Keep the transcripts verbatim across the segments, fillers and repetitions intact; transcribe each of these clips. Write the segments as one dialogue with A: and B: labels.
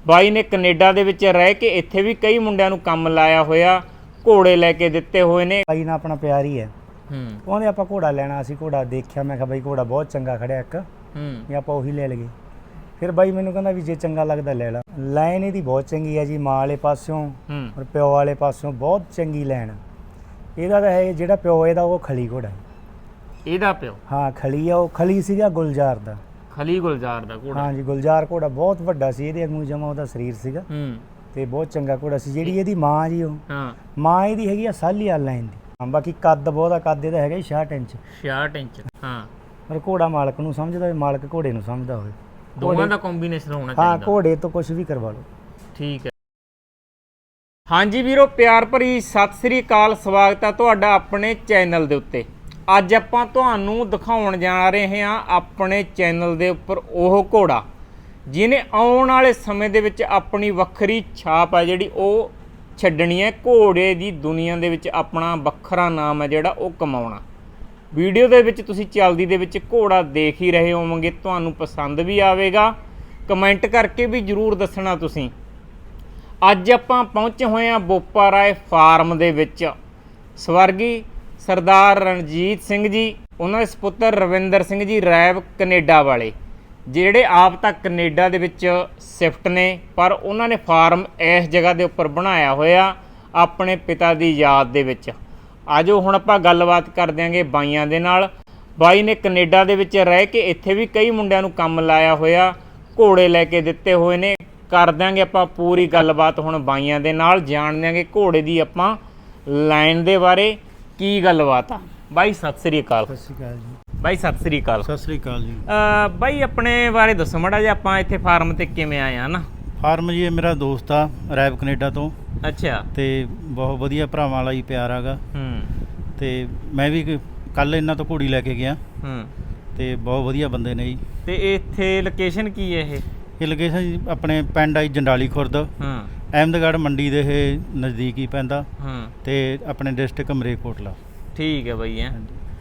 A: ਬਾਈ ਨੇ ਕੈਨੇਡਾ ਦੇ ਵਿੱਚ ਰਹਿ ਕੇ ਇੱਥੇ ਵੀ ਕਈ ਮੁੰਡਿਆਂ ਨੂੰ ਕੰਮ ਲਾਇਆ ਹੋਇਆ, ਘੋੜੇ ਲੈ ਕੇ ਦਿੱਤੇ ਹੋਏ ਨੇ।
B: ਬਾਈ ਨਾਲ ਆਪਣਾ ਪਿਆਰ ਹੀ ਹੈ।
A: ਹੂੰ
B: ਉਹਨੇ ਆਪਾਂ ਘੋੜਾ ਲੈਣਾ, ਅਸੀਂ ਘੋੜਾ ਦੇਖਿਆ, ਮੈਂ ਕਿਹਾ ਬਾਈ ਘੋੜਾ ਬਹੁਤ ਚੰਗਾ ਖੜਿਆ ਇੱਕ,
A: ਹੂੰ
B: ਵੀ ਆਪਾਂ ਉਹੀ ਲੈ ਲਈਏ। ਫਿਰ ਬਾਈ ਮੈਨੂੰ ਕਹਿੰਦਾ ਵੀ ਜੇ ਚੰਗਾ ਲੱਗਦਾ ਲੈ ਲਾ। ਲਾਈਨ ਇਹਦੀ ਬਹੁਤ ਚੰਗੀ ਹੈ ਜੀ, ਮਾਂ ਵਾਲੇ ਪਾਸਿਓਂ ਔਰ ਪਿਓ ਵਾਲੇ ਪਾਸਿਓਂ ਬਹੁਤ ਚੰਗੀ ਲਾਈਨ। ਇਹਦਾ ਤਾਂ ਹੈ ਜਿਹੜਾ ਪਿਓ ਇਹਦਾ ਉਹ ਖਲੀ ਘੋੜਾ,
A: ਇਹਦਾ ਪਿਓ
B: ਹਾਂ ਖਲੀ ਆ। ਉਹ ਖਲੀ ਸੀਗਾ ਗੁਲਜ਼ਾਰ ਦਾ,
A: ਖਲੀ ਗੁਲਜ਼ਾਰ ਦਾ ਘੋੜਾ।
B: ਹਾਂ ਜੀ, ਗੁਲਜ਼ਾਰ ਘੋੜਾ ਬਹੁਤ ਵੱਡਾ ਸੀ, ਇਹਦੇ ਵਾਂਗੂ ਜਮਾ ਉਹਦਾ ਸਰੀਰ ਸੀਗਾ
A: ਹੂੰ
B: ਤੇ ਬਹੁਤ ਚੰਗਾ ਘੋੜਾ ਸੀ। ਜਿਹੜੀ ਇਹਦੀ ਮਾਂ ਜੀ, ਉਹ
A: ਹਾਂ
B: ਮਾਂ ਇਹਦੀ ਹੈਗੀ ਆ ਸਾਲੀ ਵਾਲ ਲਾਈਨ ਦੀ। ਹਾਂ ਬਾਕੀ ਕੱਦ ਬਹੁਤ ਆ, ਕੱਦ ਇਹਦਾ ਹੈਗਾ ਛਿਆਹਠ ਇੰਚ।
A: ਛਿਆਹਠ ਇੰਚ ਹਾਂ।
B: ਪਰ ਘੋੜਾ ਮਾਲਕ ਨੂੰ ਸਮਝਦਾ ਹੋਵੇ, ਮਾਲਕ ਘੋੜੇ ਨੂੰ ਸਮਝਦਾ ਹੋਵੇ,
A: ਦੋਵਾਂ ਦਾ ਕੰਬੀਨੇਸ਼ਨ ਹੋਣਾ
B: ਹਾਂ।
A: ਚਾਹੀਦਾ।
B: ਘੋੜੇ ਤੋਂ ਕੁਝ ਵੀ ਕਰਵਾ ਲਓ।
A: ਠੀਕ ਹੈ। ਹਾਂਜੀ ਵੀਰੋ, ਪਿਆਰ ਭਰੀ ਸਤਿ ਸ੍ਰੀ ਅਕਾਲ, ਸਵਾਗਤ ਹੈ ਤੁਹਾਡਾ ਆਪਣੇ ਚੈਨਲ ਦੇ ਉੱਤੇ। ਅੱਜ ਆਪਾਂ ਤੁਹਾਨੂੰ ਦਿਖਾਉਣ ਜਾ ਰਹੇ ਹਾਂ ਆਪਣੇ ਚੈਨਲ ਦੇ ਉੱਪਰ ਉਹ ਘੋੜਾ ਜਿਹਨੇ ਆਉਣ ਵਾਲੇ ਸਮੇਂ ਦੇ ਵਿੱਚ ਆਪਣੀ ਵੱਖਰੀ ਛਾਪ ਹੈ ਜਿਹੜੀ ਉਹ ਛੱਡਣੀ ਹੈ। ਘੋੜੇ ਦੀ ਦੁਨੀਆ ਦੇ ਵਿੱਚ ਆਪਣਾ ਵੱਖਰਾ ਨਾਮ ਹੈ ਜਿਹੜਾ ਉਹ ਕਮਾਉਣਾ। ਵੀਡੀਓ ਦੇ ਵਿੱਚ ਤੁਸੀਂ ਚਲਦੀ ਦੇ ਵਿੱਚ ਘੋੜਾ ਦੇਖ ਹੀ ਰਹੇ ਹੋਵੋਗੇ, ਤੁਹਾਨੂੰ ਪਸੰਦ ਵੀ ਆਵੇਗਾ। ਕਮੈਂਟ ਕਰਕੇ ਵੀ ਜ਼ਰੂਰ ਦੱਸਣਾ ਤੁਸੀਂ। ਅੱਜ ਆਪਾਂ ਪਹੁੰਚੇ ਹੋਏ ਹਾਂ ਬੋਪਾ ਰਾਏ ਫਾਰਮ ਦੇ ਵਿੱਚ। ਸਵਰਗੀ ਸਰਦਾਰ ਰਣਜੀਤ ਸਿੰਘ ਜੀ, ਉਹਨਾਂ ਦੇ ਸਪੁੱਤਰ ਰਵਿੰਦਰ ਸਿੰਘ ਜੀ ਰੈਬ ਕੈਨੇਡਾ ਵਾਲੇ, ਜਿਹੜੇ ਆਪ ਤਾਂ ਕੈਨੇਡਾ ਦੇ ਵਿੱਚ ਸ਼ਿਫਟ ਨੇ, ਪਰ ਉਹਨਾਂ ਨੇ ਫਾਰਮ ਇਸ ਜਗ੍ਹਾ ਦੇ ਉੱਪਰ ਬਣਾਇਆ ਹੋਇਆ ਆਪਣੇ ਪਿਤਾ ਦੀ ਯਾਦ ਦੇ ਵਿੱਚ। ਆਜੋ ਹੁਣ ਆਪਾਂ ਗੱਲਬਾਤ ਕਰ ਦਿਆਂਗੇ ਬਾਈਆਂ ਦੇ ਨਾਲ। ਬਾਈ ਨੇ ਕੈਨੇਡਾ ਦੇ ਵਿੱਚ ਰਹਿ ਕੇ ਇੱਥੇ ਵੀ ਕਈ ਮੁੰਡਿਆਂ ਨੂੰ ਕੰਮ ਲਾਇਆ ਹੋਇਆ, ਘੋੜੇ ਲੈ ਕੇ ਦਿੱਤੇ ਹੋਏ ਨੇ। ਕਰ ਦਿਆਂਗੇ ਆਪਾਂ ਪੂਰੀ ਗੱਲਬਾਤ ਹੁਣ ਬਾਈਆਂ ਦੇ ਨਾਲ, ਜਾਣ ਦਿਆਂਗੇ ਘੋੜੇ ਦੀ ਆਪਾਂ ਲਾਈਨ ਦੇ ਬਾਰੇ ਕੀ ਗੱਲਬਾਤ ਆ। ਬਾਈ ਸਤਿ ਸ੍ਰੀ ਅਕਾਲ।
B: ਸਤਿ ਸ਼੍ਰੀ ਅਕਾਲ ਜੀ।
A: ਬਾਈ ਸਤਿ ਸ੍ਰੀ ਅਕਾਲ।
B: ਸਤਿ ਸ਼੍ਰੀ ਅਕਾਲ ਜੀ।
A: ਬਾਈ ਆਪਣੇ ਬਾਰੇ ਦੱਸੋ ਮਾੜਾ ਜਿਹਾ, ਆਪਾਂ ਇੱਥੇ ਫਾਰਮ ਤੇ ਕਿਵੇਂ ਆਏ ਆ ਨਾ?
B: ਫਾਰਮ ਜੀ, ਇਹ ਮੇਰਾ ਦੋਸਤ ਆ ਰੈਬ ਕੈਨੇਡਾ ਤੋਂ।
A: ਅੱਛਾ।
B: ਤੇ ਬਹੁਤ ਵਧੀਆ ਭਰਾਵਾਂ ਵਾਲਾ ਹੀ ਪਿਆਰ ਹੈਗਾ।
A: ਹੂੰ
B: ਤੇ ਮੈਂ ਵੀ ਕੱਲ ਇਹਨਾਂ ਤੋਂ ਘੋੜੀ ਲੈ ਕੇ ਗਿਆ।
A: ਹੂੰ
B: ਤੇ ਬਹੁਤ ਵਧੀਆ ਬੰਦੇ ਨੇ ਜੀ।
A: ਤੇ ਇੱਥੇ ਲੋਕੇਸ਼ਨ ਕੀ ਹੈ ਇਹ?
B: ਇਹ ਲੋਕੇਸ਼ਨ ਜੀ ਆਪਣੇ ਪਿੰਡ ਆਈ ਜੰਡਾਲੀ ਖੁਰਦ,
A: ਹੂੰ
B: ਅਹਿਮਦਗੜ੍ਹ ਮੰਡੀ ਦੇ ਇਹ ਨਜ਼ਦੀਕ ਹੀ ਪੈਂਦਾ।
A: ਹੂੰ
B: ਤੇ ਆਪਣੇ ਡਿਸਟ੍ਰਿਕਟ ਮਰੇਕੋਟਲਾ।
A: ਠੀਕ ਹੈ ਬਾਈ। ਹੈ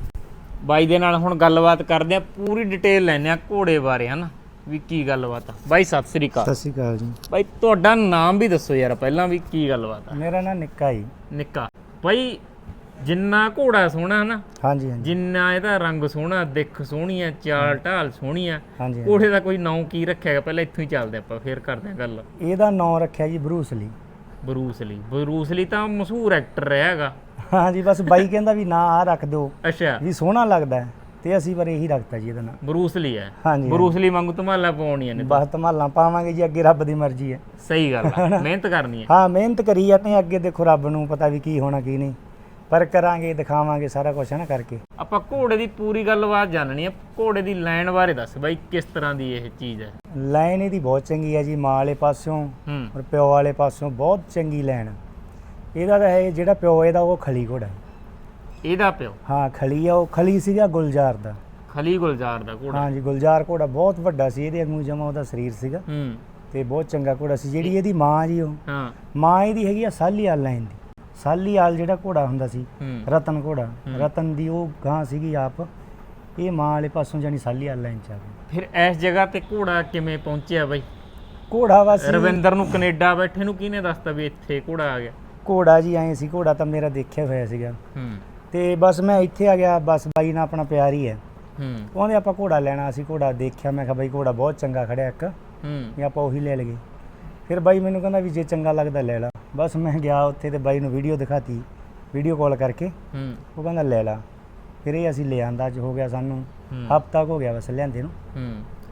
A: ਬਾਈ ਦੇ ਨਾਲ ਹੁਣ ਗੱਲਬਾਤ ਕਰਦੇ ਆ, ਪੂਰੀ ਡਿਟੇਲ ਲੈਂਦੇ ਆ ਘੋੜੇ ਬਾਰੇ, ਹਨਾ ਵੀ ਕੀ ਗੱਲਬਾਤ ਆ। ਬਾਈ ਸਤਿ ਸ੍ਰੀ ਅਕਾਲ।
B: ਸਤਿ ਸ਼੍ਰੀ ਅਕਾਲ ਜੀ।
A: ਬਾਈ ਤੁਹਾਡਾ ਨਾਮ ਵੀ ਦੱਸੋ ਯਾਰ ਪਹਿਲਾਂ, ਵੀ ਕੀ ਗੱਲਬਾਤ ਆ?
B: ਮੇਰਾ ਨਾਮ ਨਿੱਕਾ ਜੀ।
A: ਨਿੱਕਾ। ਬਾਈ ਜਿੰਨਾ ਘੋੜਾ ਸੋਹਣਾ ਨਾ,
B: ਹਾਂਜੀ ਹਾਂਜੀ,
A: ਜਿੰਨਾ ਇਹਦਾ ਰੰਗ ਸੋਹਣਾ, ਦਿੱਖ ਸੋਹਣੀ ਆ, ਚਾਲ ਢਾਲ ਸੋਹਣੀ ਆ,
B: ਹਾਂਜੀ।
A: ਘੋੜੇ ਦਾ ਕੋਈ ਨਾਂ ਕੀ ਰੱਖਿਆ ਹੈਗਾ? ਪਹਿਲਾਂ ਇੱਥੋਂ ਹੀ ਚੱਲਦੇ ਆਪਾਂ, ਫੇਰ ਕਰਦੇ ਆ ਗੱਲ।
B: ਇਹਦਾ ਨਾਂ ਰੱਖਿਆ ਜੀ Bruce Lee.
A: Bruce Lee. Bruce Lee ਤਾਂ ਮਸ਼ਹੂਰ ਐਕਟਰ ਰਿਹਾ ਹੈਗਾ।
B: ਹਾਂਜੀ, ਬਸ ਬਾਈ ਕਹਿੰਦਾ ਵੀ ਨਾਂ ਆ ਰੱਖ ਦਿਓ,
A: ਅੱਛਾ,
B: ਵੀ ਸੋਹਣਾ ਲੱਗਦਾ ਹੈ, ਤੇ ਅਸੀਂ ਪਰ ਇਹੀ ਰੱਖਤਾ ਜੀ ਇਹਦਾ ਨਾਂ।
A: ਬਰੂਸ ਲੀ ਹੈ।
B: ਹਾਂਜੀ,
A: ਬਰੂਸ ਲੀ ਵਾਂਗੂ ਧਮਾਲਾਂ ਪਾਉਣੀਆਂ ਨੇ।
B: ਬਸ ਧਮਾਲਾਂ ਪਾਵਾਂਗੇ ਜੀ, ਅੱਗੇ ਰੱਬ ਦੀ ਮਰਜ਼ੀ ਹੈ।
A: ਸਹੀ ਗੱਲ ਆ, ਮਿਹਨਤ ਕਰਨੀ ਹੈ।
B: ਹਾਂ ਮਿਹਨਤ ਕਰੀ ਜਾਂਦੇ ਹਾਂ, ਅੱਗੇ ਦੇਖੋ ਰੱਬ ਨੂੰ ਪਤਾ ਵੀ ਕੀ ਹੋਣਾ ਕੀ ਨਹੀਂ, ਪਰ ਕਰਾਂਗੇ, ਦਿਖਾਵਾਂਗੇ ਸਾਰਾ ਕੁਝ ਹੈ ਨਾ ਕਰਕੇ।
A: ਆਪਾਂ ਘੋੜੇ ਦੀ ਪੂਰੀ ਗੱਲਬਾਤ ਜਾਣਨੀ ਹੈ। ਘੋੜੇ ਦੀ ਲਾਈਨ ਬਾਰੇ ਦੱਸ ਬਾਈ, ਕਿਸ ਤਰ੍ਹਾਂ ਦੀ ਇਹ ਚੀਜ਼ ਹੈ?
B: ਲਾਈਨ ਇਹਦੀ ਬਹੁਤ ਚੰਗੀ ਹੈ ਜੀ, ਮਾਂ ਵਾਲੇ ਪਾਸਿਓਂ
A: ਹੂੰ
B: ਔਰ ਪਿਓ ਵਾਲੇ ਪਾਸਿਓਂ ਬਹੁਤ ਚੰਗੀ ਲਾਈਨ। ਇਹਦਾ ਤਾਂ ਹੈ ਜਿਹੜਾ ਪਿਓ ਇਹਦਾ ਉਹ ਖਲੀ ਘੋੜਾ।
A: ਇਹਦਾ ਪਿਓ
B: ਹਾਂ ਖਲੀ ਆ। ਉਹ ਖਲੀ ਸੀਗਾ ਗੁਲਜ਼ਾਰ ਦਾ।
A: ਖਲੀ ਗੁਲਜ਼ਾਰ ਦਾ ਘੋੜਾ।
B: ਹਾਂ ਜੀ, ਗੁਲਜ਼ਾਰ ਘੋੜਾ ਬਹੁਤ ਵੱਡਾ ਸੀ, ਇਹਦੇ ਵਾਂਗੂ ਜਮਾ ਉਹਦਾ ਸਰੀਰ ਸੀਗਾ
A: ਹੂੰ
B: ਤੇ ਬਹੁਤ ਚੰਗਾ ਘੋੜਾ ਸੀ। ਜਿਹੜੀ ਇਹਦੀ ਮਾਂ ਜੀ, ਉਹ
A: ਹਾਂ
B: ਮਾਂ ਇਹਦੀ ਹੈਗੀ ਆ ਸਾਲੀ ਵਾਲ ਲਾਈਨ ਦੀ। ਸਾਲੀ ਵਾਲ ਜਿਹੜਾ ਘੋੜਾ ਹੁੰਦਾ ਸੀ,
A: ਹੂੰ
B: ਰਤਨ ਘੋੜਾ, ਰਤਨ ਦੀ ਉਹ ਗਾਂ ਸੀਗੀ ਆਪ। ਇਹ ਮਾਂ ਵਾਲੇ ਪਾਸੋਂ ਜਾਨੀ ਸਾਲੀ ਵਾਲ ਲਾਈਨ ਚ ਆ ਗਈ।
A: ਫਿਰ ਇਸ ਜਗ੍ਹਾ ਤੇ ਘੋੜਾ ਕਿਵੇਂ ਪਹੁੰਚਿਆ ਬਾਈ?
B: ਘੋੜਾ ਬਸ
A: ਰਵਿੰਦਰ ਨੂੰ ਕੈਨੇਡਾ ਬੈਠੇ ਨੂੰ ਕਿਹਨੇ ਦੱਸਤਾ ਵੀ ਇੱਥੇ ਘੋੜਾ ਆ ਗਿਆ?
B: ਘੋੜਾ ਜੀ ਐਂ ਸੀ, ਘੋੜਾ ਤਾਂ ਮੇਰਾ ਦੇਖਿਆ ਹੋਇਆ ਸੀਗਾ,
A: ਹੂੰ
B: ਤੇ ਬਸ ਮੈਂ ਇੱਥੇ ਆ ਗਿਆ। ਬਸ ਬਾਈ ਨਾਲ ਆਪਣਾ ਪਿਆਰ ਹੀ ਹੈ।
A: ਹੂੰ
B: ਉਹਨੇ ਆਪਾਂ ਘੋੜਾ ਲੈਣਾ, ਅਸੀਂ ਘੋੜਾ ਦੇਖਿਆ, ਮੈਂ ਕਿਹਾ ਬਾਈ ਘੋੜਾ ਬਹੁਤ ਚੰਗਾ ਖੜਿਆ ਇੱਕ,
A: ਹੂੰ
B: ਵੀ ਆਪਾਂ ਉਹੀ ਲੈ ਲਈਏ। ਫਿਰ ਬਾਈ ਮੈਨੂੰ ਕਹਿੰਦਾ ਵੀ ਜੇ ਚੰਗਾ ਲੱਗਦਾ ਲੈ ਲਾ। ਬਸ ਮੈਂ ਗਿਆ ਉੱਥੇ ਤੇ ਬਾਈ ਨੂੰ ਵੀਡੀਓ ਦਿਖਾਤੀ, ਵੀਡੀਓ ਕਾਲ ਕਰਕੇ।
A: ਹੂੰ
B: ਉਹ ਕਹਿੰਦਾ ਲੈ ਲਾ। ਫਿਰ ਇਹ ਅਸੀਂ ਲੈ ਆਂਦਾ, ਅੱਜ ਹੋ ਗਿਆ ਸਾਨੂੰ ਹਫ਼ਤਾ ਕੁ ਹੋ ਗਿਆ ਬਸ ਲਿਆਂਦੇ ਨੂੰ।
A: ਹੂੰ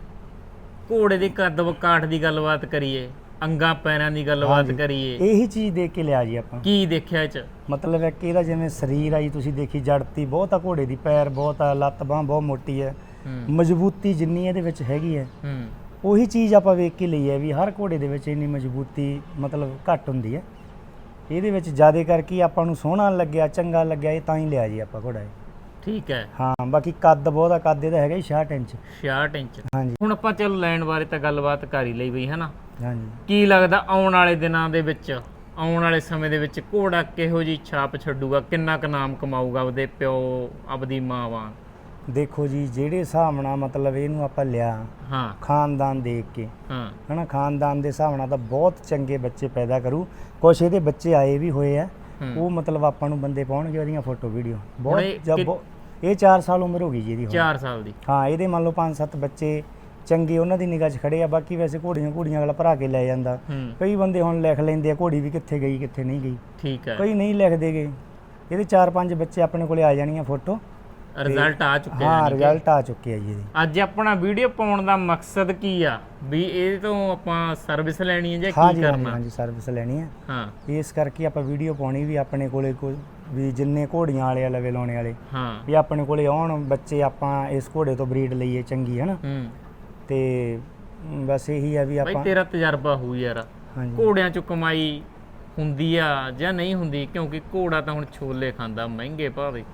A: ਘੋੜੇ ਦੇ ਕੱਦ ਕਾਠ ਦੀ ਗੱਲਬਾਤ ਕਰੀਏ, ਅੰਗਾਂ ਪੈਰਾਂ ਦੀ ਗੱਲਬਾਤ ਕਰੀਏ,
B: ਇਹੀ ਚੀਜ਼ ਦੇਖ ਕੇ ਲਿਆ ਜੀ ਆਪਾਂ।
A: ਕੀ ਦੇਖਿਆ ਇਹ ਚ?
B: ਮਤਲਬ ਹੈ ਕਿ ਇਹਦਾ ਜਿਵੇਂ ਸਰੀਰ ਆ ਜੀ, ਤੁਸੀਂ ਦੇਖੀ ਜੜਤੀ ਬਹੁਤ ਆ ਘੋੜੇ ਦੀ, ਪੈਰ ਬਹੁਤ ਆ, ਲੱਤ ਬਾਂਹ ਬਹੁਤ ਮੋਟੀ ਹੈ, ਮਜ਼ਬੂਤੀ ਜਿੰਨੀ ਇਹਦੇ ਵਿੱਚ ਹੈਗੀ ਹੈ,
A: ਹੂੰ
B: ਉਹੀ ਚੀਜ਼ ਆਪਾਂ ਵੇਖ ਕੇ ਲਈ ਹੈ ਵੀ ਹਰ ਘੋੜੇ ਦੇ ਵਿੱਚ ਇੰਨੀ ਮਜ਼ਬੂਤੀ ਮਤਲਬ ਘੱਟ ਹੁੰਦੀ ਹੈ। ਇਹਦੇ ਵਿੱਚ ਜ਼ਿਆਦਾ ਕਰਕੇ ਆਪਾਂ ਨੂੰ ਸੋਹਣਾ ਲੱਗਿਆ, ਚੰਗਾ ਲੱਗਿਆ, ਇਹ ਤਾਂ ਹੀ ਲਿਆ ਜੀ ਆਪਾਂ ਘੋੜਾ ਇਹ।
A: ਠੀਕ ਹੈ।
B: ਹਾਂ ਬਾਕੀ ਕੱਦ ਬਹੁਤ ਆ, ਕੱਦ ਇਹਦਾ ਹੈਗਾ ਜੀ ਛਿਆਹਠ ਇੰਚ।
A: ਛਿਆਹਠ ਇੰਚ।
B: ਹਾਂਜੀ।
A: ਹੁਣ ਆਪਾਂ ਚੱਲ ਲੈਣ ਬਾਰੇ ਤਾਂ ਗੱਲਬਾਤ ਕਰ ਹੀ ਲਈ ਬਈ, ਹੈ ਨਾ?
B: ਹਾਂਜੀ।
A: ਕੀ ਲੱਗਦਾ ਆਉਣ ਵਾਲੇ ਦਿਨਾਂ ਦੇ ਵਿੱਚ, ਆਉਣ ਵਾਲੇ ਸਮੇਂ ਦੇ ਵਿੱਚ ਘੋੜਾ ਕਿਹੋ ਜਿਹੀ ਛਾਪ ਛੱਡੂਗਾ? ਕਿੰਨਾ ਕੁ ਨਾਮ ਕਮਾਊਗਾ ਆਪਦੇ ਪਿਓ, ਆਪਦੀ ਮਾਂ ਵਾਂਗ?
B: ਦੇਖੋ ਜੀ ਜਿਹੜੇ ਹਿਸਾਬ ਨਾਲ ਮਤਲਬ ਇਹਨੂੰ ਆਪਾਂ ਲਿਆ
A: ਹਾਂ
B: ਖਾਨਦਾਨ ਦੇਖ ਕੇ
A: ਹਾਂ
B: ਹਨਾ, ਖਾਨਦਾਨ ਦੇ ਹਿਸਾਬ ਨਾਲ ਤਾਂ ਬਹੁਤ ਚੰਗੇ ਬੱਚੇ ਪੈਦਾ ਕਰੂ। ਕੁਛ ਇਹਦੇ ਬੱਚੇ ਆਏ ਵੀ ਹੋਏ ਆ,
A: ਹੂੰ।
B: ਉਹ ਮਤਲਬ ਆਪਾਂ ਨੂੰ ਬੰਦੇ ਪਾਉਣਗੇ ਉਹਦੀਆਂ ਫੋਟੋ ਵੀਡੀਓ
A: ਇਹ
B: ਬਹੁਤ ਜਬ
A: ਕਿ-
B: ਬਹੁਤ- ਇਹ ਚਾਰ ਸਾਲ ਉਮਰ ਹੋ ਗਈ ਜੀ ਇਹਦੀ ਹੁਣ।
A: ਚਾਰ ਸਾਲ ਦੀ।
B: ਹਾਂ ਇਹਦੇ ਮੰਨ ਲਓ ਪੰਜ ਸੱਤ ਬੱਚੇ ਚੰਗੇ ਉਹਨਾਂ ਦੀ ਨਿਗਾਹ 'ਚ ਖੜੇ ਆ। ਬਾਕੀ ਵੈਸੇ ਘੋੜੀਆਂ ਘੋੜੀਆਂ ਅਗਲਾ ਭਰਾ ਕੇ ਲੈ ਜਾਂਦਾ।
A: ਹੂੰ
B: ਕਈ ਬੰਦੇ ਹੁਣ ਲਿਖ ਲੈਂਦੇ ਆ ਘੋੜੀ ਵੀ ਕਿੱਥੇ ਗਈ ਕਿੱਥੇ ਨਹੀਂ ਗਈ,
A: ਠੀਕ ਹੈ।
B: ਕਈ ਨਹੀਂ ਲਿਖਦੇ ਗੇ। ਇਹਦੇ ਚਾਰ ਪੰਜ ਬੱਚੇ ਆਪਣੇ ਕੋਲੇ ਆ ਜਾਣੀਆਂ ਫੋਟੋ।
A: ਰਿਜ਼ਲਟ ਆ ਚੁੱਕਿਆ
B: ਹਾਂ
A: ਯਾਨੀ ਕਿ।
B: ਰਿਜ਼ਲਟ ਆ ਚੁੱਕੇ ਆ ਜੀ ਇਹਦੇ।
A: ਅੱਜ ਆਪਣਾ ਵੀਡੀਓ ਪਾਉਣ ਦਾ ਮਕਸਦ ਕੀ ਆ ਵੀ ਇਹ ਤੋਂ ਆਪਾਂ ਸਰਵਿਸ ਲੈਣੀ ਹੈ ਜਾਂ ਕੀ
B: ਹਾਂਜੀ ਹਾਂਜੀ
A: ਕਰਨਾ?
B: ਹਾਂਜੀ ਸਰਵਿਸ ਲੈਣੀ ਹੈ,
A: ਹਾਂ
B: ਇਸ ਕਰਕੇ ਆਪਾਂ ਵੀਡੀਓ ਪਾਉਣੀ ਵੀ ਆਪਣੇ ਕੋਲੇ ਕੋਈ ਵੀ ਜਿੰਨੇ ਘੋੜੀਆਂ ਵਾਲੇ ਆ ਲਵੇ ਲਾਉਣੇ ਵਾਲੇ
A: ਹਾਂ
B: ਵੀ ਆਪਣੇ ਕੋਲੇ ਆਉਣ ਬੱਚੇ, ਆਪਾਂ ਇਸ ਘੋੜੇ ਤੋਂ ਬਰੀਡ ਲਈਏ ਚੰਗੀ ਹੈ ਨਾ।
A: ਹੂੰ।
B: ਤੇ ਮ, ਬਸ ਇਹੀ ਆ ਵੀ
A: ਬਾਈ
B: ਆਪਾਂ
A: ਤੇਰਾ ਤਜਰਬਾ ਹੋਊ ਯਾਰ,
B: ਹਾਂਜੀ
A: ਘੋੜਿਆਂ ਚ ਕਮਾਈ ਹੁੰਦੀ ਆ ਜਾਂ ਨਹੀਂ ਹੁੰਦੀ? ਕਿਉਂਕਿ ਘੋੜਾ ਤਾਂ ਹੁਣ ਛੋਲੇ ਖਾਂਦਾ ਮਹਿੰਗੇ ਭਾਵੇਂ।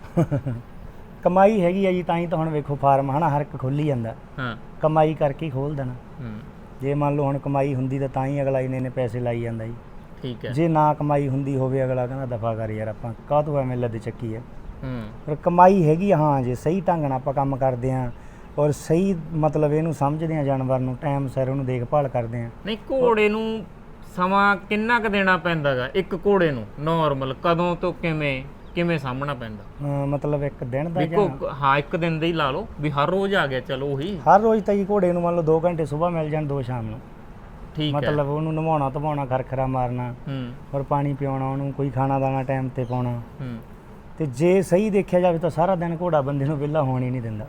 B: ਕਮਾਈ ਹੈਗੀ ਆ ਜੀ, ਤਾਂ ਹੀ ਤਾਂ ਹੁਣ ਵੇਖੋ ਫਾਰਮ ਹਨਾ ਹਰ ਇੱਕ ਖੋਲੀ ਜਾਂਦਾ,
A: ਹਾਂ
B: ਕਮਾਈ ਕਰਕੇ ਹੀ ਖੋਲ ਦੇਣਾ।
A: ਹੂੰ
B: ਜੇ ਮੰਨ ਲਓ ਹੁਣ ਕਮਾਈ ਹੁੰਦੀ ਤਾਂ ਤਾਂ ਹੀ ਅਗਲਾ ਇੰਨੇ ਨੇ ਪੈਸੇ ਲਾਈ ਜਾਂਦਾ ਜੀ।
A: ਠੀਕ ਹੈ।
B: ਜੇ ਨਾ ਕਮਾਈ ਹੁੰਦੀ ਹੋਵੇ ਅਗਲਾ ਕਹਿੰਦਾ ਦਫਾ ਕਰ ਯਾਰ, ਆਪਾਂ ਕਾਹਤੋਂ ਐਵੇਂ ਲੱਦ ਚੱਕੀ ਆ।
A: ਹੂੰ
B: ਪਰ ਕਮਾਈ ਹੈਗੀ ਆ, ਹਾਂ ਜੇ ਸਹੀ ਢੰਗ ਨਾਲ ਆਪਾਂ ਕੰਮ ਕਰਦੇ ਆਂ ਔਰ ਸਹੀ ਮਤਲਬ ਇਹਨੂੰ ਸਮਝਦੇ ਆਂ, ਜਾਨਵਰ ਨੂੰ ਟਾਈਮ ਸਿਰ ਉਹਨੂੰ ਦੇਖਭਾਲ ਕਰਦੇ ਆਂ।
A: ਨਹੀਂ ਘੋੜੇ ਨੂੰ ਸਮਾਂ ਕਿੰਨਾ ਕੁ ਦੇਣਾ ਪੈਂਦਾਗਾ ਇੱਕ ਘੋੜੇ ਨੂੰ ਨਾਰਮਲ? ਕਦੋਂ ਤੋਂ ਕਿਵੇਂ ਕਿਵੇਂ ਸਾਹਮਣਾ ਪੈਂਦਾ?
B: ਅਮ ਮਤਲਬ ਇੱਕ ਦਿਨ ਦਾ
A: ਵੀ
B: ਜਾਂ
A: ਕੋ ਹਾਂ ਇੱਕ ਦਿਨ ਦਾ ਹੀ ਲਾ ਲਓ ਵੀ ਹਰ ਰੋਜ਼ ਆ ਗਿਆ ਚਲੋ ਉਹੀ।
B: ਹਰ ਰੋਜ਼ ਤਾਂ ਜੀ ਘੋੜੇ ਨੂੰ ਮੰਨ ਲਓ ਦੋ ਘੰਟੇ ਸਵੇਰ ਮਿਲ ਜਾਣ, ਦੋ ਸ਼ਾਮ ਨੂੰ।
A: ਠੀਕ ਹੈ।
B: ਮਤਲਬ ਉਹਨੂੰ ਨਵਾਉਣਾ ਧਵਾਉਣਾ, ਖਰਖਰਾ ਮਾਰਨਾ
A: ਹੂੰ
B: ਔਰ ਪਾਣੀ ਪਿਆਉਣਾ, ਉਹਨੂੰ ਕੋਈ ਖਾਣਾ ਦਾਣਾ ਟਾਈਮ ਤੇ ਪਾਉਣਾ।
A: ਹੂੰ
B: ਤੇ ਜੇ ਸਹੀ ਦੇਖਿਆ ਜਾਵੇ ਤਾਂ ਸਾਰਾ ਦਿਨ ਘੋੜਾ ਬੰਦੇ ਨੂੰ ਵਿਹਲਾ ਹੋਣ ਹੀ ਨਹੀਂ ਦਿੰਦਾ।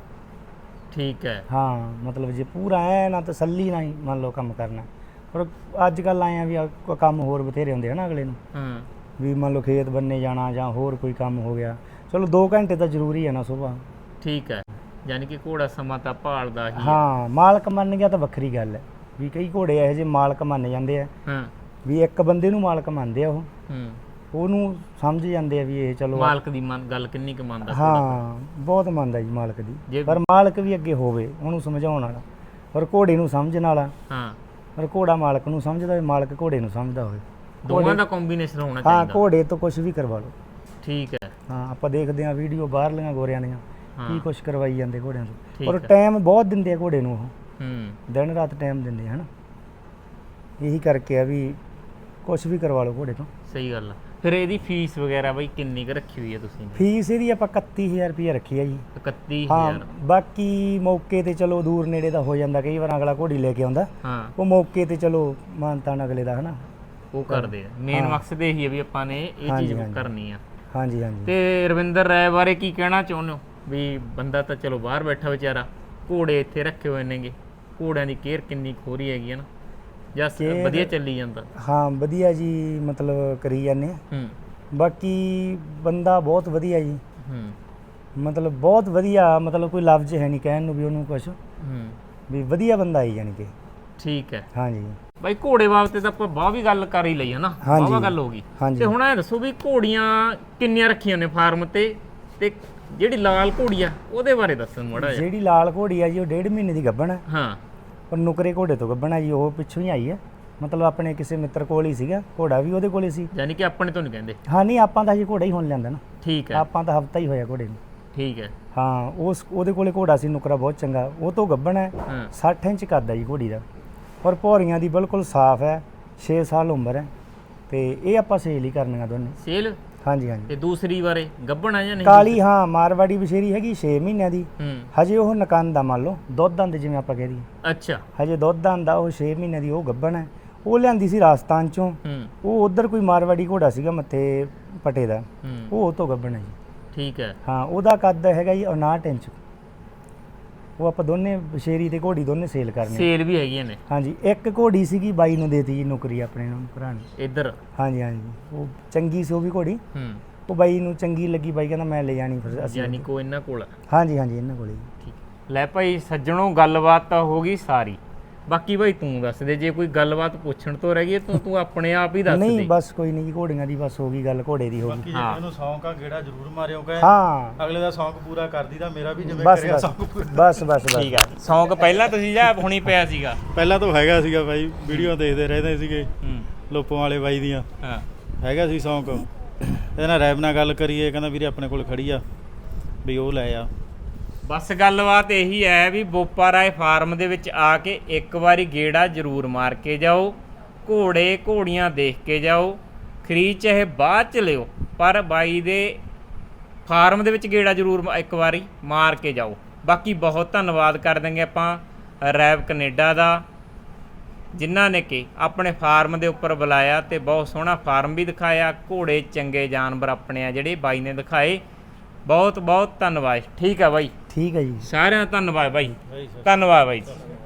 A: ਠੀਕ ਹੈ।
B: ਹਾਂ ਮਤਲਬ ਜੇ ਪੂਰਾ ਐ ਨਾ ਤਸੱਲੀ ਨਾਲ ਹੀ ਮੰਨ ਲਓ ਕੰਮ ਕਰਨਾ। ਪਰ ਅੱਜ ਕੱਲ੍ਹ ਆਏ ਆ ਵੀ ਆ ਕੋਈ ਕੰਮ ਹੋਰ ਬਥੇਰੇ ਹੁੰਦੇ ਹਨ ਅਗਲੇ ਨੂੰ,
A: ਹਾਂ
B: ਵੀ ਮੰਨ ਲਓ ਖੇਤ ਬੰਨੇ ਜਾਣਾ ਜਾਂ ਹੋਰ ਕੋਈ ਕੰਮ ਹੋ ਗਿਆ, ਚਲੋ ਦੋ ਘੰਟੇ ਤਾਂ ਜ਼ਰੂਰੀ ਹੈ ਨਾ ਸੁਬਾਹ।
A: ਠੀਕ ਹੈ। ਯਾਨੀ ਕਿ ਘੋੜਾ ਸਮਾਂ ਤਾਂ ਭਾਲਦਾ ਹੀ ਹੈ।
B: ਹਾਂ ਮਾਲਕ ਮੰਨ ਗਿਆ ਤਾਂ ਵੱਖਰੀ ਗੱਲ ਹੈ, ਵੀ ਕਈ ਘੋੜੇ ਇਹੋ ਜਿਹੇ ਮਾਲਕ ਮੰਨ ਜਾਂਦੇ ਆ
A: ਹਾਂ
B: ਵੀ ਇੱਕ ਬੰਦੇ ਨੂੰ ਮਾਲਕ ਮੰਨਦੇ ਆ, ਉਹ
A: ਹੂੰ
B: ਉਹਨੂੰ ਸਮਝ ਜਾਂਦੇ ਆ ਵੀ ਇਹ ਚਲੋ
A: ਮਾਲਕ ਦੀ ਮਨ ਗੱਲ ਕਿੰਨੀ ਕੁ ਮੰਨਦਾ?
B: ਹਾਂ ਬਹੁਤ ਮੰਨਦਾ ਜੀ ਮਾਲਕ ਦੀ,
A: ਜੇ-
B: ਪਰ ਮਾਲਕ ਵੀ ਅੱਗੇ ਹੋਵੇ ਉਹਨੂੰ ਸਮਝਾਉਣ ਵਾਲਾ, ਪਰ ਘੋੜੇ ਨੂੰ ਸਮਝਣ ਵਾਲਾ।
A: ਹਾਂ
B: ਪਰ ਘੋੜਾ ਮਾਲਕ ਨੂੰ ਸਮਝਦਾ ਹੋਵੇ, ਮਾਲਕ ਘੋੜੇ ਨੂੰ ਸਮਝਦਾ ਹੋਵੇ।
A: ਦੋਵਾਂ ਦਾ ਕੰਬੀਨੇਸ਼ਨ ਹੋਣਾ
B: ਹਾਂ
A: ਚਾਹੀਦਾ।
B: ਘੋੜੇ ਤੋਂ ਕੁਝ ਵੀ ਕਰਵਾ ਲਓ।
A: ਠੀਕ ਹੈ।
B: ਹਾਂ ਆਪਾਂ ਦੇਖਦੇ ਹਾਂ ਵੀਡੀਓ ਬਾਹਰਲੀਆਂ ਗੋਰਿਆਂ ਦੀਆਂ
A: ਹਾਂ
B: ਕੀ ਕੁਝ ਕਰਵਾਈ ਜਾਂਦੇ ਘੋੜਿਆਂ ਤੋਂ,
A: ਠੀਕ
B: ਔਰ
A: ਹੈ।
B: ਟਾਈਮ ਬਹੁਤ ਦਿੰਦੇ ਆ ਘੋੜੇ ਨੂੰ, ਉਹ
A: ਹੂੰ
B: ਦਿਨ ਰਾਤ ਟਾਈਮ ਦਿੰਦੇ ਆ, ਹਨਾ। ਇਹੀ ਕਰਕੇ ਆ ਵੀ ਕੁਝ ਵੀ ਕਰਵਾ ਲਓ ਘੋੜੇ ਤੋਂ।
A: ਸਹੀ ਗੱਲ ਆ। ਫਿਰ ਇਹਦੀ ਫੀਸ ਵਗੈਰਾ ਬਈ ਕਿੰਨੀ ਕੁ ਰੱਖੀ ਹੋਈ ਹੈ ਤੁਸੀਂ?
B: ਫੀਸ ਇਹਦੀ ਆਪਾਂ ਇਕੱਤੀ ਹਜ਼ਾਰ ਰੁਪਈਆ ਰੱਖੀ ਆ ਜੀ।
A: ਇਕੱਤੀ
B: ਹਾਂ
A: ਹਜ਼ਾਰ।
B: ਬਾਕੀ ਮੌਕੇ ਤੇ ਚਲੋ ਦੂਰ ਨੇੜੇ ਦਾ ਹੋ ਜਾਂਦਾ, ਕਈ ਵਾਰ ਅਗਲਾ ਘੋੜੀ ਲੈ ਕੇ ਆਉਂਦਾ,
A: ਹਾਂ
B: ਉਹ ਮੌਕੇ ਤੇ ਚਲੋ ਮਾਨਤਾਨ ਅਗਲੇ ਦਾ, ਹਨਾ।
A: ਉਹ ਕਰਦੇ ਆ। ਮੇਨ
B: ਹਾਂ।
A: ਮਕਸਦ ਇਹੀ ਹੈ ਵੀ ਆਪਾਂ ਨੇ ਇਹ
B: ਹਾਂਜੀ,
A: ਚੀਜ਼
B: ਹਾਂਜੀ।
A: ਕਰਨੀ ਆ।
B: ਹਾਂਜੀ ਹਾਂਜੀ
A: ਤੇ ਰਵਿੰਦਰ ਰਾਏ ਬਾਰੇ ਕੀ ਕਹਿਣਾ ਚਾਹੁੰਦੇ ਹੋ? ਵੀ ਬੰਦਾ ਤਾਂ ਚਲੋ ਬਾਹਰ ਬੈਠਾ ਵਿਚਾਰਾ, ਘੋੜੇ ਇੱਥੇ ਰੱਖੇ ਹੋਏ ਨੇਗੇ, ਘੋੜਿਆਂ ਦੀ ਕੇਅਰ ਕਿੰਨੀ ਖੋਰੀ ਹੈਗੀ ਹੈ ਨਾ, ਜਾਂ ਸ-
B: Care-
A: ਵਧੀਆ ਚੱਲੀ ਜਾਂਦਾ?
B: ਹਾਂ ਵਧੀਆ ਜੀ, ਮਤਲਬ ਕਰੀ ਜਾਂਦੇ ਆ।
A: ਹੂੰ
B: ਬਾਕੀ ਬੰਦਾ ਬਹੁਤ ਵਧੀਆ ਜੀ,
A: ਹੂੰ
B: ਮਤਲਬ ਬਹੁਤ ਵਧੀਆ, ਮਤਲਬ ਕੋਈ ਲਫ਼ਜ਼ ਹੈ ਨਹੀਂ ਕਹਿਣ ਨੂੰ ਵੀ ਉਹਨੂੰ ਕੁਛ,
A: ਹੂੰ
B: ਵੀ ਵਧੀਆ ਬੰਦਾ ਆਈ ਜਾਣੀ ਕਿ।
A: ਠੀਕ ਹੈ।
B: ਹਾਂਜੀ
A: ਬਾਈ ਘੋੜੇ ਬਾਬਤ ਤਾਂ ਆਪਾਂ ਬਾਹ ਵੀ ਗੱਲ ਕਰ ਹੀ ਲਈ ਹੈ ਨਾ,
B: ਹਾਂਜੀ।
A: ਬਾਵਾ ਗੱਲ ਹੋ ਗਈ।
B: ਹਾਂਜੀ।
A: ਤੇ ਹੁਣ ਇਹ ਦੱਸੋ ਵੀ ਘੋੜੀਆਂ ਕਿੰਨੀਆਂ ਰੱਖੀਆਂ ਨੇ ਫਾਰਮ ਤੇ, ਤੇ ਜਿਹੜੀ ਲਾਲ ਘੋੜੀ ਆ ਉਹਦੇ ਬਾਰੇ ਦੱਸਣ ਮਾੜਾ ਜਿਹਾ।
B: ਜਿਹੜੀ ਲਾਲ ਘੋੜੀ ਆ ਜੀ ਉਹ ਡੇਢ ਮਹੀਨੇ ਦੀ ਗੱਭਣ ਹੈ,
A: ਹਾਂ
B: ਪਰ ਨੁਕਰੇ ਘੋੜੇ ਤੋਂ ਗੱਭਣ ਹੈ ਜੀ, ਉਹ ਪਿੱਛੋਂ ਹੀ ਆਈ ਹੈ। ਮਤਲਬ ਆਪਣੇ ਕਿਸੇ ਮਿੱਤਰ ਕੋਲ ਹੀ ਸੀਗਾ, ਘੋੜਾ ਵੀ ਉਹਦੇ ਕੋਲ ਹੀ ਸੀ।
A: ਯਾਨੀ ਕਿ ਆਪਣੇ ਤੋਂ ਨਹੀਂ ਕਹਿੰਦੇ?
B: ਹਾਂ ਨਹੀਂ ਆਪਾਂ ਤਾਂ ਜੀ ਘੋੜਾ ਹੀ ਹੁਣ ਲਿਆਂਦਾ ਨਾ,
A: ਠੀਕ ਹੈ।
B: ਆਪਾਂ ਤਾਂ ਹਫਤਾ ਹੀ ਹੋਇਆ ਘੋੜੇ ਨੂੰ।
A: ਠੀਕ ਹੈ।
B: ਹਾਂ ਉਸ ਉਹਦੇ ਕੋਲੇ ਘੋੜਾ ਸੀ ਨੁਕਰਾ ਬਹੁਤ ਚੰਗਾ, ਉਹ ਤੋਂ ਗੱਭਣ ਹੈ।
A: ਹਾਂ
B: ਸੱਠ ਇੰਚ ਕੱਦ ਹੈ ਜੀ ਘੋੜੀ ਦਾ, ਔਰ ਭੌਰੀਆਂ ਦੀ ਬਿਲਕੁਲ ਸਾਫ਼ ਹੈ, ਛੇ ਸਾਲ ਉਮਰ ਹੈ। ਤੇ ਇਹ ਆਪਾਂ ਸੇਲ ਹੀ ਕਰਨੀਆਂ ਦੋਨੇ।
A: ਸੇਲ?
B: ਹਾਂਜੀ ਹਾਂਜੀ।
A: ਤੇ ਦੂਸਰੀ ਬਾਰੇ ਗੱਭਣ ਆ ਜਾਂ ਨਹੀਂ?
B: ਕਾਲੀ ਹਾਂ ਮਾਰਵਾੜੀ ਬਸ਼ੇਰੀ ਹੈਗੀ ਛੇ ਮਹੀਨਿਆਂ ਦੀ,
A: ਹੂੰ
B: ਹਜੇ ਉਹ ਨਕੰਦ ਆ, ਮੰਨ ਲਓ ਦੁੱਧ ਦੰਦ ਜਿਵੇਂ ਆਪਾਂ ਕਹਿ ਦਈਏ,
A: ਅੱਛਾ।
B: ਹਜੇ ਦੁੱਧ ਦੰਦ ਆ, ਉਹ ਛੇ ਮਹੀਨਿਆਂ ਦੀ, ਉਹ ਗੱਭਣ ਹੈ। ਉਹ ਲਿਆਂਦੀ ਸੀ ਰਾਜਸਥਾਨ ਚੋਂ,
A: ਹੂੰ
B: ਉਹ ਉਧਰ ਕੋਈ ਮਾਰਵਾੜੀ ਘੋੜਾ ਸੀਗਾ ਮੱਥੇ ਪਟੇ ਦਾ,
A: ਹੂੰ
B: ਉਹ ਉਹ ਤੋਂ ਗੱਭਣ ਹੈ ਜੀ।
A: ਠੀਕ ਹੈ।
B: ਹਾਂ ਉਹਦਾ ਕੱਦ ਹੈਗਾ ਜੀ ਉਨਾਹਠ ਇੰਚ। ਉਹ ਆਪਾਂ ਦੋਨੇ ਬਸ਼ੇਰੀ ਤੇ ਘੋੜੀ ਦੋਨੇ ਸੇਲ ਕਰਨੇ।
A: ਸੇਲ ਵੀ ਹੈਗੀਆਂ ਨੇ?
B: ਹਾਂਜੀ ਇੱਕ ਘੋੜੀ ਸੀਗੀ ਬਾਈ ਨੂੰ ਦੇਤੀ ਜੀ ਨੌਕਰੀ ਆਪਣੇ ਨੂੰ ਭਰਾ ਨੇ।
A: ਇੱਧਰ?
B: ਹਾਂਜੀ ਹਾਂਜੀ ਉਹ ਚੰਗੀ ਸੀ ਉਹ ਵੀ ਘੋੜੀ,
A: ਹੂੰ
B: ਉਹ ਬਾਈ ਨੂੰ ਚੰਗੀ ਲੱਗੀ, ਬਾਈ ਕਹਿੰਦਾ ਮੈਂ ਲੈ ਜਾਣੀ, ਫਿਰ ਅਸੀਂ
A: ਯਾਨੀ ਕੋ ਇਹਨਾਂ ਕੋਲ ਆ।
B: ਹਾਂਜੀ ਹਾਂਜੀ ਇਹਨਾਂ ਕੋਲੇ ਜੀ।
A: ਠੀਕ। ਲੈ ਭਾਈ ਸੱਜਣੋ ਗੱਲਬਾਤ ਤਾਂ ਹੋ ਗਈ ਸਾਰੀ, ਬਾਕੀ ਭਾਈ ਤੂੰ ਦੱਸ ਦੇ, ਜੇ ਕੋਈ ਗੱਲਬਾਤ ਪੁੱਛਣ ਤੋਂ ਰਹਿ ਗਈ ਤੂੰ ਤੂੰ ਆਪਣੇ ਆਪ ਹੀ ਦੱਸ ਦੇ।
B: ਨਹੀਂ ਬਸ ਕੋਈ ਨਹੀਂ ਜੀ, ਘੋੜੀਆਂ ਦੀ ਬਸ ਹੋ ਗਈ ਗੱਲ, ਘੋੜੇ ਦੀ ਹੋ ਗਈ।
C: ਬਾਕੀ ਜੇ
A: ਹਾਂ।
C: ਮੈਨੂੰ ਸ਼ੌਂਕ ਆ ਗੇੜਾ ਜ਼ਰੂਰ ਮਾਰਿਓ ਕਹੇ,
B: ਹਾਂ
C: ਅਗਲੇ ਦਾ ਸ਼ੌਂਕ ਪੂਰਾ ਕਰਦੀ ਦਾ ਮੇਰਾ ਵੀ ਜਿਵੇਂ
B: ਬਸ
C: ਕਰਿਆ
B: ਬਸ
C: ਸ਼ੌਂਕ ਪੂਰਾ।
B: ਬਸ ਬਸ ਬਸ
A: ਠੀਕ ਆ। ਸ਼ੌਂਕ ਪਹਿਲਾਂ ਤੁਸੀਂ ਜਾਂ ਹੁਣੀ ਪਿਆ ਸੀਗਾ?
C: ਪਹਿਲਾਂ ਤਾਂ ਹੈਗਾ ਸੀਗਾ ਬਾਈ, ਵੀਡੀਓ ਦੇਖਦੇ ਰਹਿੰਦੇ ਸੀਗੇ
A: ਹੂੰ
C: ਲੋਪੋਂ ਵਾਲੇ ਬਾਈ ਦੀਆਂ,
A: ਹਾਂ
C: ਹੈਗਾ ਸੀ ਸ਼ੌਂਕ। ਇਹਦੇ ਨਾਲ ਰੈਬ ਨਾਲ ਗੱਲ ਕਰੀਏ, ਕਹਿੰਦਾ ਵੀਰੇ ਆਪਣੇ ਕੋਲ ਖੜੀ ਆ ਵੀ ਉਹ ਲੈ ਆ,
A: ਬਸ ਗੱਲਬਾਤ ਇਹੀ ਹੈ ਵੀ ਬੋਪਾ ਰਾਏ ਫਾਰਮ ਦੇ ਵਿੱਚ ਆ ਕੇ ਇੱਕ ਵਾਰੀ ਗੇੜਾ ਜ਼ਰੂਰ ਮਾਰ ਕੇ ਜਾਓ, ਘੋੜੇ ਘੋੜੀਆਂ ਦੇਖ ਕੇ ਜਾਓ, ਖਰੀਦ ਚਾਹੇ ਬਾਅਦ ਚ ਲਿਓ ਪਰ ਬਾਈ ਦੇ ਫਾਰਮ ਦੇ ਵਿੱਚ ਗੇੜਾ ਜ਼ਰੂਰ ਇੱਕ ਵਾਰੀ ਮਾਰ ਕੇ ਜਾਓ। ਬਾਕੀ ਬਹੁਤ ਧੰਨਵਾਦ ਕਰ ਦਿੰਗੇ ਆਪਾਂ ਰੈਬ ਕੈਨੇਡਾ ਦਾ, ਜਿਨ੍ਹਾਂ ਨੇ ਕਿ ਆਪਣੇ ਫਾਰਮ ਦੇ ਉੱਪਰ ਬੁਲਾਇਆ ਤੇ ਬਹੁਤ ਸੋਹਣਾ ਫਾਰਮ ਵੀ ਦਿਖਾਇਆ, ਘੋੜੇ ਚੰਗੇ ਜਾਨਵਰ ਆਪਣੇ ਆ ਜਿਹੜੇ ਬਾਈ ਨੇ ਦਿਖਾਏ। ਬਹੁਤ ਬਹੁਤ ਧੰਨਵਾਦ। ਠੀਕ ਆ ਬਾਈ,
B: ਠੀਕ ਹੈ ਜੀ।
A: ਸਾਰਿਆਂ ਦਾ ਧੰਨਵਾਦ ਬਾਈ,
C: ਬਾਈ ਸਤਿ
A: ਧੰਨਵਾਦ ਬਾਈ।